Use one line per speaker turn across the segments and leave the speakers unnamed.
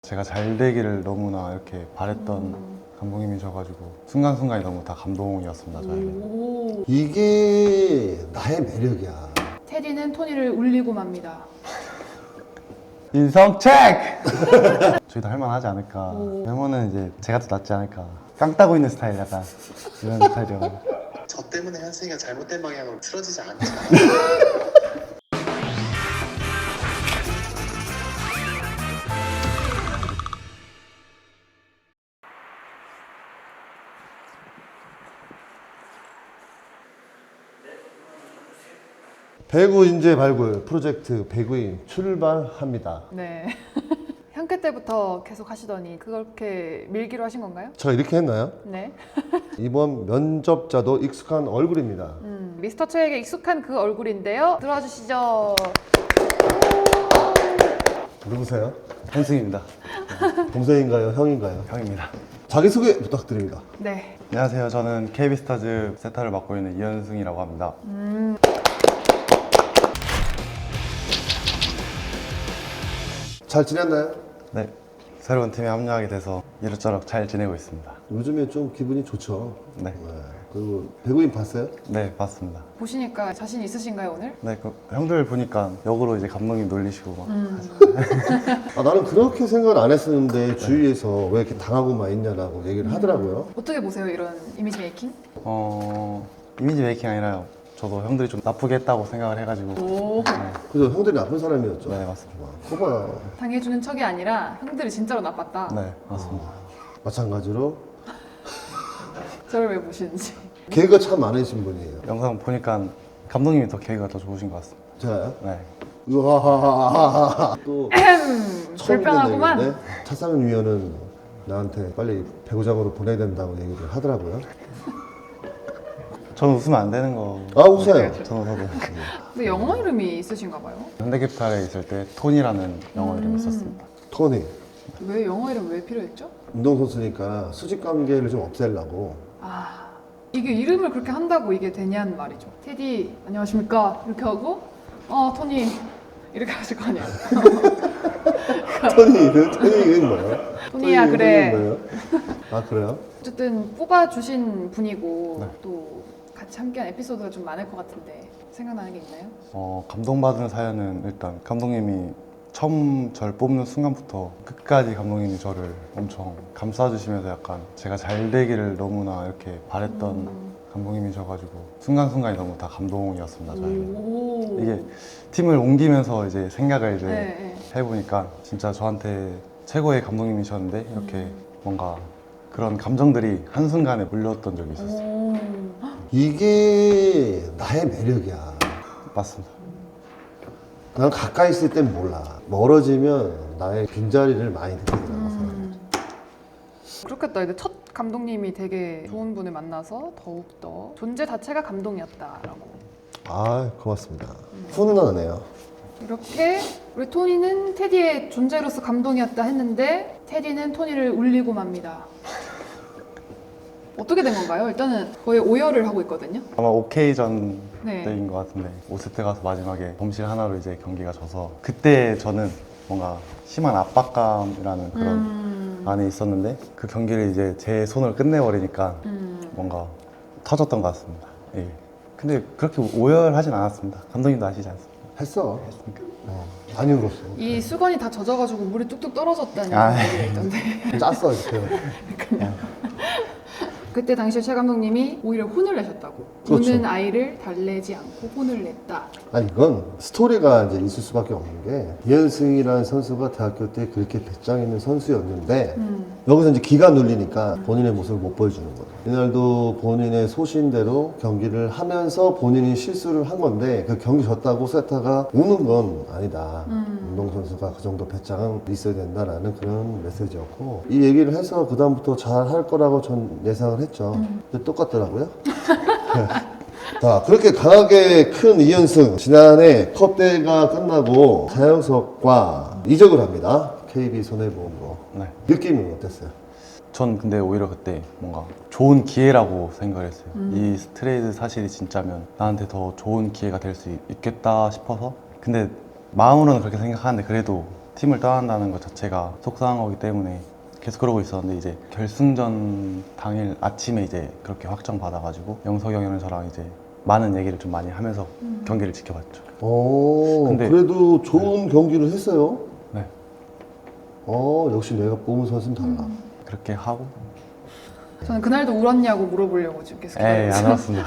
제가 잘 되기를 너무나 이렇게 바랬던 감독님이셔가지고 순간순간이 너무 다 감동이었습니다, 저에게.
이게 나의 매력이야.
테디는 토니를 울리고 맙니다.
인성 체크! 저희도 할만하지 않을까. 외모는 이제 제가 더 낫지 않을까. 깡 따고 있는 스타일 약간 이런 스타일이어가지고.
저 때문에 현승이가 잘못된 방향으로 틀어지지 않잖아.
배구 인재 발굴 프로젝트 배구인 출발합니다.
네. 향께 때부터 계속 하시더니 그렇게 밀기로 하신 건가요?
저 이렇게 했나요?
네.
이번 면접자도 익숙한 얼굴입니다.
미스터 최에게 익숙한 그 얼굴인데요. 들어와 주시죠.
누구세요?
현승입니다.
동생인가요? 형인가요?
형입니다.
자기소개 부탁드립니다.
네.
안녕하세요. 저는 KB스타즈 세타를 맡고 있는 이현승이라고 합니다.
잘 지냈나요?
네. 새로운 팀에 합류하게 돼서 이렇저렇 잘 지내고 있습니다.
요즘에 좀 기분이 좋죠.
네.
그리고 배구인 봤어요?
네, 맞습니다.
보시니까 자신 있으신가요, 오늘?
네, 그 형들 보니까 역으로 이제 감독님 놀리시고 막.
나는 그렇게 생각을 안 했었는데 주위에서 왜 이렇게 당하고만 있냐라고 얘기를 하더라고요.
어떻게 보세요, 이런 이미지 메이킹?
이미지 메이킹 아니라 저도 형들이 좀 나쁘게 했다고 생각을 해가지고.
오.
그래서 형들이 나쁜 사람이었죠.
네, 맞습니다.
거봐.
당해주는 척이 아니라 형들이 진짜로 나빴다.
네, 맞습니다.
마찬가지로
저를 왜 보시는지.
개가 참 많으신 분이에요.
영상 보니까 감독님이 더 계기가 더 좋으신 것 같습니다.
제가요?
네.
으하하하하하. 또
불편하구만.
얘기인데 차상현 위원은 나한테 빨리 배구장으로 보내야 된다고 얘기를 하더라고요.
저는 웃으면 안 되는 거.
아, 웃어요.
저는 웃어도.
근데 영어 이름이 있으신가 봐요.
현대캐피탈에 있을 때 톤이라는 영어 이름이 있었습니다.
토니,
왜 영어 이름 왜 필요했죠?
운동선수니까 수직 관계를 좀 없애려고.
아, 이게 이름을 그렇게 한다고 이게 되냐는 말이죠. 테디 안녕하십니까 이렇게 하고 토니 이렇게 하실 거 아니에요.
토니 이름이 뭐예요?
토니야,
토니
그래.
이름이 뭐예요? 아, 그래요?
어쨌든 뽑아주신 분이고
네.
또 같이 함께한 에피소드가 좀 많을 것 같은데 생각나는 게 있나요?
감동받은 사연은 일단 감독님이 처음 저를 뽑는 순간부터 끝까지 감독님이 저를 엄청 감싸주시면서 약간 제가 잘 되기를 너무나 이렇게 바랬던 감독님이셔가지고 순간순간이 너무 다 감동이었습니다, 저에게.
오.
이게 팀을 옮기면서 이제 생각을 이제
네.
해보니까 진짜 저한테 최고의 감독님이셨는데 이렇게 뭔가 그런 감정들이 한순간에 몰려왔던 적이 있었어요.
오.
이게 나의 매력이야.
맞습니다.
난 가까이 있을 땐 몰라. 멀어지면 나의 빈자리를 많이 느끼더라고요.
그렇겠다. 근데 첫 감독님이 되게 좋은 분을 만나서 더욱더 존재 자체가 감동이었다라고.
아, 고맙습니다. 훈훈하네요.
이렇게 우리 토니는 테디의 존재로서 감동이었다 했는데 테디는 토니를 울리고 맙니다. 어떻게 된 건가요? 일단은 거의 오열을 하고 있거든요.
아마 오케이전
네.
때인 것 같은데 5세트 가서 마지막에 범실 하나로 이제 경기가 져서 그때 저는 뭔가 심한 압박감이라는 그런 안에 있었는데 그 경기를 이제 제 손으로 끝내버리니까 뭔가 터졌던 것 같습니다. 예. 근데 그렇게 오열하진 않았습니다. 감독님도 아시지 않습니까?
했어. 많이 울었어.
이 수건이 다 젖어가지고 물이 뚝뚝 떨어졌다는
아.
얘기가 있던데.
짰어, 이렇게.
그때 당시에 최 감독님이 오히려 혼을 내셨다고.
그렇죠.
우는 아이를 달래지 않고 혼을 냈다.
아니, 이건 스토리가 이제 있을 수밖에 없는 게 이현승이라는 선수가 대학교 때 그렇게 배짱 있는 선수였는데 여기서 이제 기가 눌리니까 본인의 모습을 못 보여주는 거예요. 이날도 본인의 소신대로 경기를 하면서 본인이 실수를 한 건데 그 경기 졌다고 세타가 우는 건 아니다. 운동선수가 그 정도 배짱은 있어야 된다라는 그런 메시지였고 이 얘기를 해서 그 다음부터 잘 할 거라고 전 예상을 했죠. 근데 똑같더라고요. 자, 그렇게 강하게 큰 이현승 지난해 컵대회가 끝나고 자영석과 이적을 합니다. KB 손해보험으로.
네.
느낌은 어땠어요?
전 근데 오히려 그때 뭔가 좋은 기회라고 생각을 했어요. 이 트레이드 사실이 진짜면 나한테 더 좋은 기회가 될 수 있겠다 싶어서 근데 마음으로는 그렇게 생각하는데 그래도 팀을 떠난다는 것 자체가 속상한 거기 때문에 계속 그러고 있었는데 이제 결승전 당일 아침에 이제 그렇게 확정 받아가지고 영석이 형이랑 저랑 이제 많은 얘기를 좀 많이 하면서 경기를 지켜봤죠. 근데-
그래도 좋은 경기를 했어요.
네.
역시 내가 뽑은 선수는 달라.
그렇게 하고
저는 그날도 울었냐고 물어보려고 지금 계속
에이 안
기다렸어요.
울었습니다.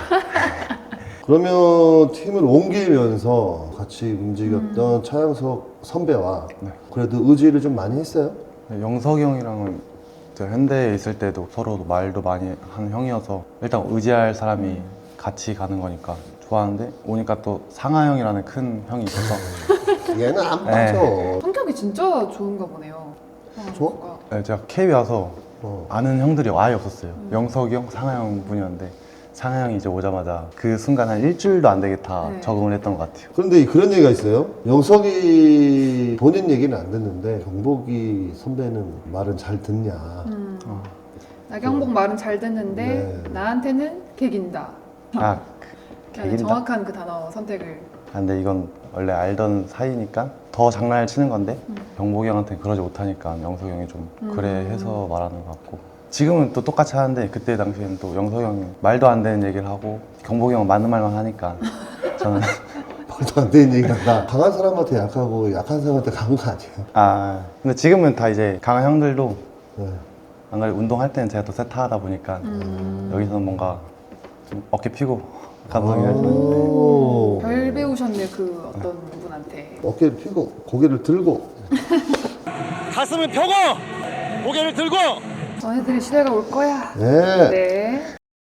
그러면 팀을 옮기면서 같이 움직였던 차영석 선배와
네.
그래도 의지를 좀 많이 했어요?
영석이 형이랑은 제가 현대에 있을 때도 서로 말도 많이 하는 형이어서 일단 의지할 사람이 같이 가는 거니까 좋아하는데 오니까 또 상하 형이라는 큰 형이 있어서
얘는 안
네.
맞죠.
성격이 진짜 좋은가 보네요.
좋아?
선수가.
네, 제가 KB 와서
어.
아는 형들이 아예 없었어요. 영석이 형, 상하 형 분이었는데 상하 형이 이제 오자마자 그 순간 한 일주일도 안 되게 다
네.
적응을 했던 것 같아요.
그런데 그런 얘기가 있어요. 영석이 본인 얘기는 안 듣는데 경복이 선배는 말은 잘 듣냐.
나경복 말은 잘 듣는데
네.
나한테는 개긴다.
아,
나는
개긴다?
정확한 그 단어 선택을.
아, 근데 이건 원래 알던 사이니까 더 장난을 치는 건데 경복이 형한테는 그러지 못하니까 영석이 형이 좀 그래 해서 말하는 것 같고 지금은 또 똑같이 하는데 그때 당시에는 또 영석이 형이 말도 안 되는 얘기를 하고 경복이 형은 맞는 말만 하니까 저는
말도 안 되는 얘기를 한다. 강한 사람한테 약하고 약한 사람한테 강한 거 아니에요?
아 근데 지금은 다 이제 강한 형들도
네.
안 그래 운동할 때는 제가 또 세타하다 보니까 여기서는 뭔가 좀 어깨 피고 감성이 할 수 있는데
오.
별 배우셨네 그 어떤 분한테.
어깨를 펴고 고개를 들고
가슴을 펴고 고개를 들고
너네들의 시대가 올 거야.
네.
네.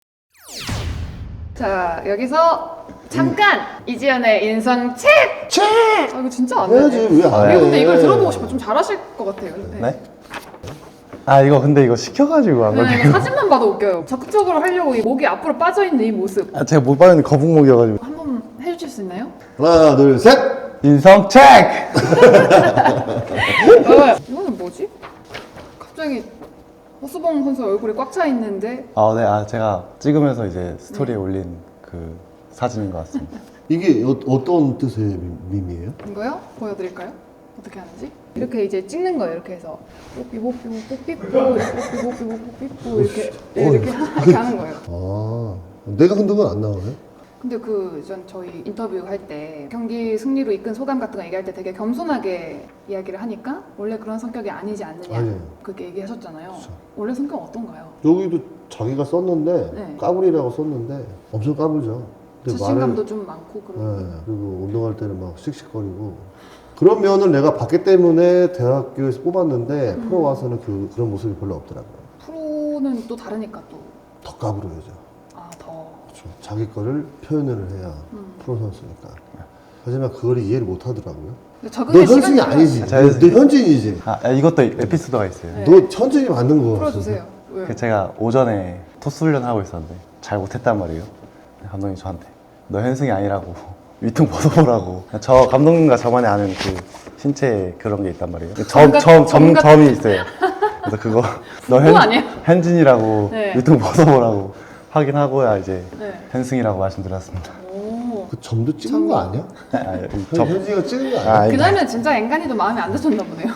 자 여기서 잠깐 이지연의 인성 책. 아 이거 진짜 안
해야지
되네.
왜 안 해?
이거 근데 이걸 들어보고 싶어. 좀 잘하실 것 같아요.
네? 아 이거 근데 이거 시켜가지고 안
네,
그래요?
이거 사진만 봐도 웃겨요. 적극적으로 하려고 이 목이 앞으로 빠져 있는 이 모습
아, 제가 못 봤는데 거북목이어가지고
한번 해주실 수 있나요?
하나 둘 셋.
인성 체크!
이거는 뭐지? 갑자기 허수봉 선수 얼굴이 꽉 차 있는데
아, 네, 아, 제가 찍으면서 이제 스토리에 올린 그 사진인 것 같습니다.
이게 어떤 뜻의 밈이에요?
이거요? 보여드릴까요? 어떻게 하는지? 이렇게 이제 찍는 거예요. 이렇게 해서 뽀삐뽀 뽀삐뽀 뽀삐뽀 뽀삐뽀 이렇게 하는 거예요.
아 내가 흔든 건 안 나오네.
근데 그 전 저희 인터뷰 할 때 경기 승리로 이끈 소감 같은 거 얘기할 때 되게 겸손하게 이야기를 하니까 원래 그런 성격이 아니지 않느냐
아니에요.
그렇게 얘기하셨잖아요. 원래 성격 어떤가요?
여기도 자기가 썼는데
네.
까불이라고 썼는데 엄청 까불죠. 근데
자신감도 좀 많고 그런.
네, 그리고 운동할 때는 막 씩씩거리고 그런 면을 내가 봤기 때문에 대학교에서 뽑았는데 프로 와서는 그런 모습이 별로 없더라고요.
프로는 또 다르니까 또.
더 까불어야죠.
아 더.
그렇죠. 자기 거를 표현을 해야 프로 선수니까. 하지만 그걸 이해를 못 하더라고요.
근데
너
적응의
현진이
시간이
아니지.
자,
너 현진이지.
아, 이것도 에피소드가 있어요.
네.
너 현진이 맞는 거.
풀어주세요. 왜?
그 제가 오전에 토스 훈련하고 있었는데 잘 못했단 말이에요. 감독님 저한테 너 현승이 아니라고 위통 벗어보라고. 저 감독님과 저만이 아는 그 신체 그런 게 있단 말이에요. 점이 있어요. 그래서 그거 너
그거 아니에요?
현진이라고
네.
위통 벗어보라고 확인하고야 이제
네.
현승이라고 말씀드렸습니다.
오.
그 점도 찍은 거 아니야?
아, 이 점-
현진이가 찍은 거 아니야?
아,
그날은 진짜 앵간이도 마음에 안 드셨나 보네요.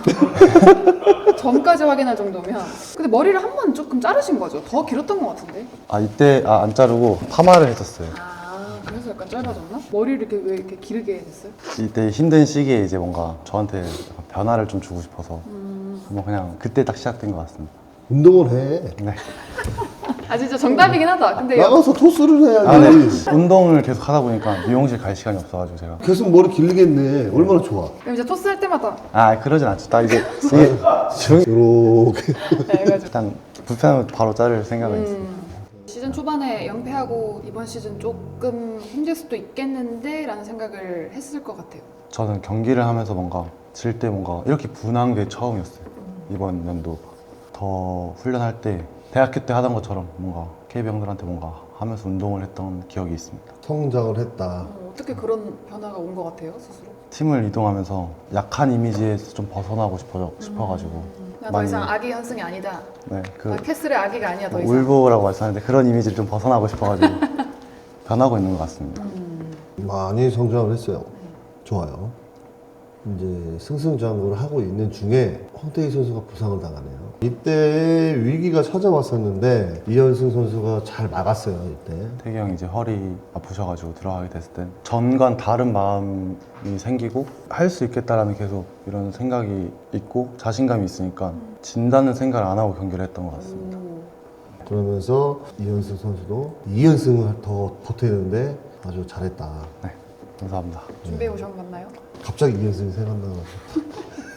점까지 확인할 정도면. 근데 머리를 한 번 조금 자르신 거죠? 더 길었던 것 같은데.
이때 안 자르고 파마를 했었어요.
아 그래서 약간 짧아졌나? 머리를 이렇게 왜 이렇게 기르게 됐어요?
이때 힘든 시기에 이제 뭔가 저한테 약간 변화를 좀 주고 싶어서 뭐 그냥 그때 딱 시작된 것 같습니다.
운동을 해.
네.
아 진짜 정답이긴 하다. 근데
나가서 토스를 해야지.
아, 네. 운동을 계속 하다 보니까 미용실 갈 시간이 없어가지고 제가
계속 머리 길리겠네. 얼마나 좋아.
그럼 이제 토스 할 때마다
그러진 않죠. 딱 이제 이게
이렇게.
해가지고.
일단 불편하면 바로 자를 생각은 있어요.
시즌 초반에 연패하고 이번 시즌 조금 힘들 수도 있겠는데 라는 생각을 했을 것 같아요.
저는 경기를 하면서 뭔가 질 때 뭔가 이렇게 분한 게 처음이었어요. 이번 연도 더 훈련할 때 대학교 때 하던 것처럼 뭔가 KB 형들한테 뭔가 하면서 운동을 했던 기억이 있습니다.
성장을 했다.
어떻게 그런 변화가 온 것 같아요 스스로?
팀을 이동하면서 약한 이미지에서 좀 벗어나고 싶어가지고
나 더 이상 아기 현승이 아니다.
네,
나 캐슬의 아기가 아니야 더 이상.
울보라고 말씀하는데 그런 이미지를 좀 벗어나고 싶어가지고 변하고 있는 것 같습니다.
많이 성장을 했어요. 좋아요. 이제 승승장구를 하고 있는 중에 황태희 선수가 부상을 당하네요. 이때 위기가 찾아왔었는데 이현승 선수가 잘 막았어요. 이때.
태기 형이 이제 허리 아프셔가지고 들어가게 됐을 땐 전과는 다른 마음이 생기고 할 수 있겠다라는 계속 이런 생각이 있고 자신감이 있으니까 진다는 생각을 안 하고 경기를 했던 것 같습니다.
그러면서 이현승 선수도 2연승을 더 보태는데 아주 잘했다.
네, 감사합니다.
준비해 오셨나요?
갑자기 2연승이 생각나가지고.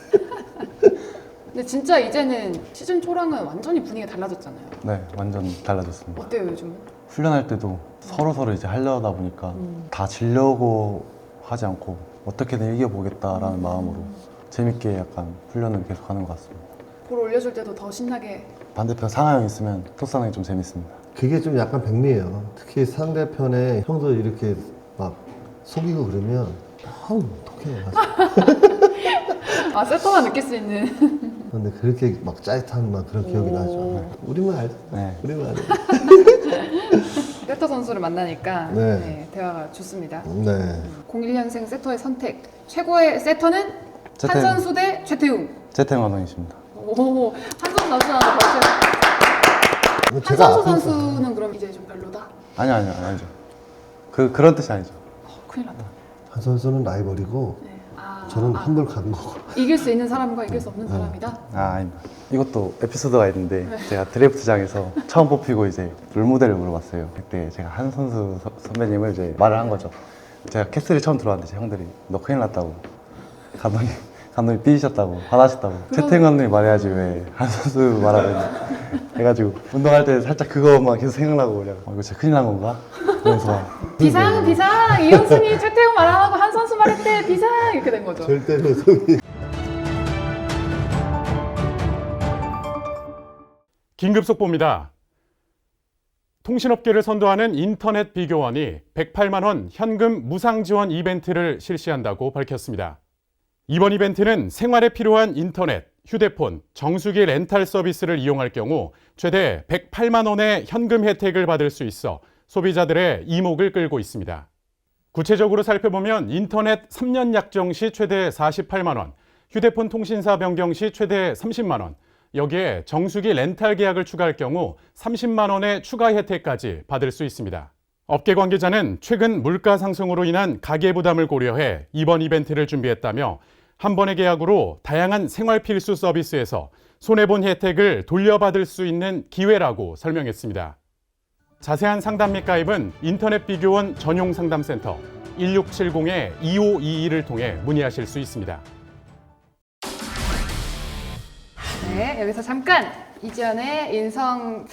근데 진짜 이제는 시즌 초랑은 완전히 분위기가 달라졌잖아요.
네, 완전 달라졌습니다.
어때요 요즘은?
훈련할 때도 서로 이제 하려다 보니까 다 지려고 하지 않고 어떻게든 이겨보겠다라는 마음으로 재밌게 약간 훈련을 계속 하는 것 같습니다.
볼 올려줄 때도 더 신나게.
반대편 상하 형 있으면 토스하는 게 좀 재밌습니다.
그게 좀 약간 백미예요. 특히 상대편에 형도 이렇게 막 속이고 그러면 아우 어떡해.
아 세터만 느낄 수 있는.
근데 그렇게 막 짜릿한 막 그런 기억이 나죠. 우리만 알죠.
네.
우리만 알죠.
세터 선수를 만나니까
네.
네, 대화가 좋습니다.
네.
01년생 세터의 선택. 최고의 세터는
최태웅.
한선수 대 최태웅.
재태 감독이십니다.
오, 한선수 선수는 벌써.
제가
한선수
앞에서-
선수는 그럼 이제 좀 별로다.
아니죠. 그런 뜻이 아니죠.
큰일 났다.
한 선수는 라이벌이고
네. 아,
저는 환불 간 거고.
이길 수 있는 사람과 이길 수 없는 사람이다.
아닙니다. 이것도 에피소드가 있는데 제가 드래프트장에서 처음 뽑히고 이제 롤모델을 물어봤어요. 그때 제가 한 선수 선배님을 이제 말을 한 거죠. 제가 캐슬이 처음 들어왔는데 제 형들이 너 큰일 났다고 감독님 삐지셨다고 화나셨다고 채팅 감독님 말해야지 왜 한 선수 말하면 해가지고 운동할 때 살짝 그거만 계속 생각나고 그냥 이거 진짜 큰일 난 건가? 그러면서
비상 이현승이 최태웅 말 안 하고 한 선수 말했대 비상 이렇게 된 거죠.
절대로 속이.
긴급 속보입니다. 통신업계를 선도하는 인터넷 비교원이 108만 원 현금 무상 지원 이벤트를 실시한다고 밝혔습니다. 이번 이벤트는 생활에 필요한 인터넷, 휴대폰, 정수기 렌탈 서비스를 이용할 경우 최대 108만 원의 현금 혜택을 받을 수 있어 소비자들의 이목을 끌고 있습니다. 구체적으로 살펴보면 인터넷 3년 약정 시 최대 48만 원, 휴대폰 통신사 변경 시 최대 30만 원, 여기에 정수기 렌탈 계약을 추가할 경우 30만 원의 추가 혜택까지 받을 수 있습니다. 업계 관계자는 최근 물가 상승으로 인한 가계 부담을 고려해 이번 이벤트를 준비했다며 한 번의 계약으로 다양한 생활 필수 서비스에서 손해본 혜택을 돌려받을 수 있는 기회라고 설명했습니다. 자세한 상담 및 가입은 인터넷 비교원 전용 상담센터 1670-2522를 통해 문의하실 수 있습니다.
네, 여기서 잠깐 이지연의 인성.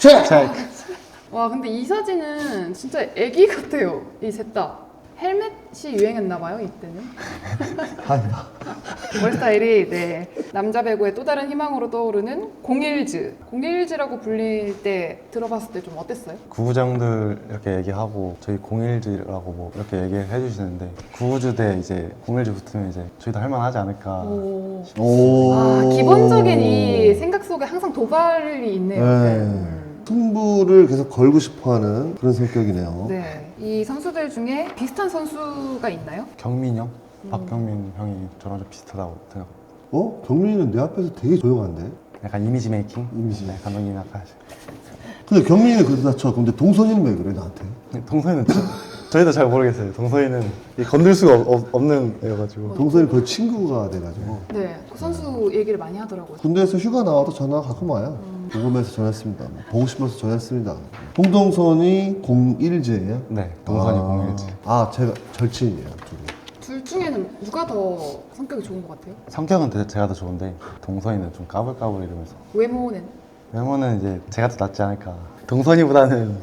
와, 근데 이 사진은 진짜 애기 같아요. 이 셋 다. 헬멧이 유행했나 봐요, 이때는.
아니다.
머리 스타일이 네, 남자 배구의 또 다른 희망으로 떠오르는 공일즈. 공일즈라고 불릴 때 들어봤을 때 좀 어땠어요?
구부장들 이렇게 얘기하고 저희 01지라고 뭐 이렇게 얘기를 해주시는데 구부주 대 이제 01지 붙으면 이제 저희도 할만하지 않을까.
오.
오.
아, 기본적인 이 생각 속에 항상 도발이 있네요.
네. 승부를 계속 걸고 싶어하는 그런 성격이네요.
네. 이 선수들 중에 비슷한 선수가 있나요?
경민 형, 박경민 형이 저랑 좀 비슷하다고 생각합니다.
경민이는 내 앞에서 되게 조용한데.
약간 이미지 메이킹?
이미지.
네, 감독님이 아까 하신.
근데 경민이는 그래도 다 쳐. 근데 동선이는 왜 그래 나한테?
동서이는 저희도 잘 모르겠어요. 동서이는 건들 수가 없는 애여가지고.
동선이 거의 친구가 돼가지고.
네. 그 선수 얘기를 많이 하더라고요.
군대에서 휴가 나와도 전화가 가끔 와요. 궁금해서 전화했습니다. 보고 싶어서 전화했습니다. 홍동선이 01제예요?
네, 동선이 01지.
아, 제가 절친이에요. 둘이.
둘 중에는 누가 더 성격이 좋은 것 같아요?
성격은 제가 더 좋은데 동서이는 좀 까불까불 이러면서
외모는?
외모는 이제 제가 더 낫지 않을까. 동선이보다는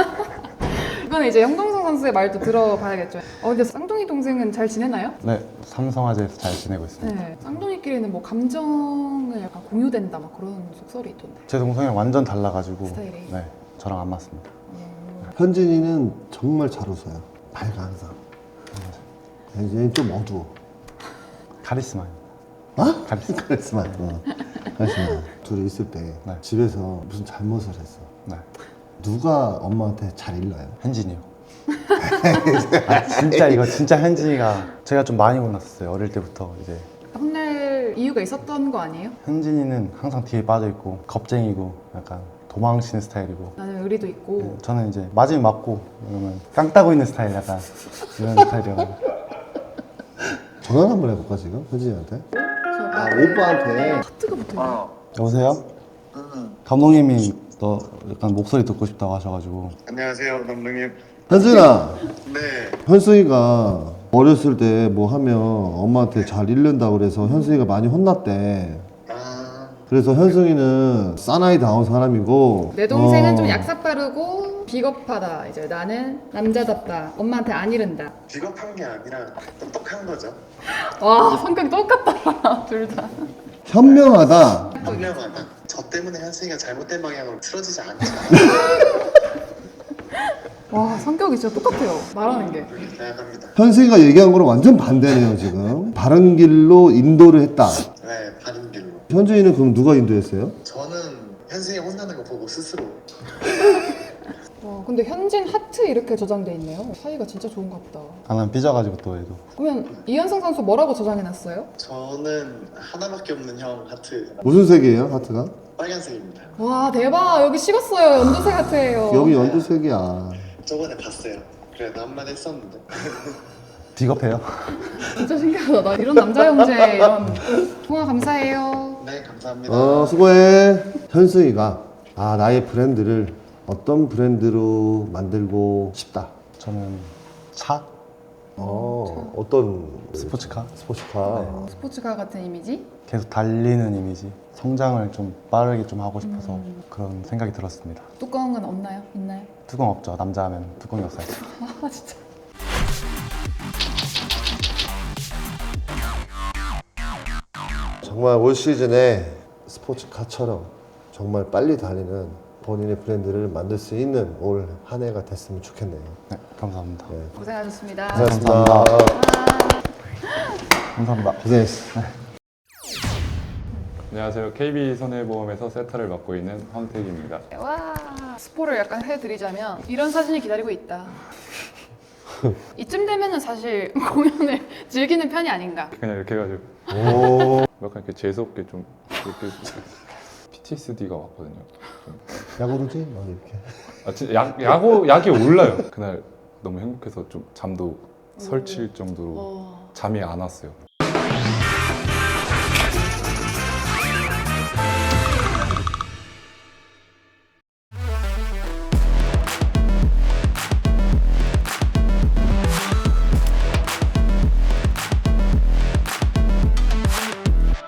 이거는 이제 형동성 선수의 말도 들어봐야겠죠. 근데 쌍둥이 동생은 잘 지내나요?
네, 삼성화재에서 잘 지내고 있습니다.
네. 쌍둥이끼리는 뭐 감정을 약간 공유된다 막 그런 속설이 있던데.
제 동생이랑 완전 달라가지고
스타일이?
네, 저랑 안 맞습니다.
현진이는 정말 잘 웃어요. 밝아 항상. 현진이는 좀 어두워.
카리스마. 카리스마.
카리스마. 카리스마. 둘이 있을 때
네.
집에서 무슨 잘못을 했어.
네,
누가 엄마한테 잘 일러요?
현진이요. 진짜 이거 진짜 현진이가 제가 좀 많이 혼났었어요. 어릴 때부터 이제
할 이유가 있었던 거 아니에요?
현진이는 항상 뒤에 빠져있고 겁쟁이고 약간 도망치는 스타일이고
나는 의리도 있고.
저는 이제 맞으면 맞고 그러면 깡 따고 있는 스타일 약간 이런 스타일이라고.
전화 한번 해볼까 지금 현진이한테? 아
저
오빠한테.
하트가 붙어있네.
여보세요? 감독님이 너 약간 목소리 듣고 싶다고 하셔가지고.
안녕하세요 감독님.
현진아,
네.
현승이가 어렸을 때 뭐 하면 엄마한테 잘 잃는다 그래서 현승이가 많이 혼났대.
아
그래서 현승이는 사나이다운 사람이고
내 동생은
어,
좀 약삭 빠르고 비겁하다. 이제 나는 남자답다. 엄마한테 안 이른다.
비겁한 게 아니라 똑똑한 거죠.
와, 성격이 똑같다. 둘 다.
현명하다.
현명하다. 저 때문에 현승이가 잘못된 방향으로 틀어지지 않잖아.
와, 성격이 진짜 똑같아요. 말하는 게.
그렇게 생각합니다.
현승이가 얘기한 거랑 완전 반대네요 지금. 바른 길로 인도를 했다.
네, 바른 길로.
현준이는 그럼 누가 인도했어요?
저는 현승이 혼나는 거 보고 스스로
와, 근데 현진 하트 이렇게 저장돼 있네요. 사이가 진짜 좋은가 보다.
난 삐져가지고 또 얘도.
그러면 이현승 선수 뭐라고 저장해놨어요?
저는 하나밖에 없는 형 하트
무슨 색이에요 하트가?
빨간색입니다.
와, 대박. 여기 식었어요. 연두색 하트예요.
여기 연두색이야.
저번에 봤어요. 그래 나 한마디 했었는데.
비겁해요?
진짜 신기하다. 나 이런 남자 형제 이런. 통화 감사해요.
네 감사합니다.
수고해. 현승이가 나의 브랜드를 어떤 브랜드로 만들고 싶다.
저는 차?
어떤
스포츠카?
스포츠카.
스포츠카 같은 이미지?
계속 달리는 이미지. 성장을 좀 빠르게 좀 하고 싶어서 그런 생각이 들었습니다.
뚜껑은 없나요? 있나요?
뚜껑 없죠. 남자 하면 뚜껑이 없어야죠.
아, 진짜.
정말 올 시즌에 스포츠카처럼 정말 빨리 달리는 본인의 브랜드를 만들 수 있는 올 한 해가 됐으면 좋겠네요.
네, 감사합니다.
고생하셨습니다.
고생하셨습니다.
감사합니다.
고생했어.
안녕하세요. KB손해보험에서 세터를 맡고 있는 황택입니다.
와, 스포를 약간 해드리자면 이런 사진이 기다리고 있다. 이쯤 되면은 사실 공연을 즐기는 편이 아닌가.
그냥 이렇게 해가지고
오.
약간 이렇게 재수없게 좀 이렇게 PTSD가 왔거든요.
야구르지? 이렇게.
아 진짜 약이 올라요. 그날 너무 행복해서 좀 잠도 설칠 정도로 잠이 안 왔어요.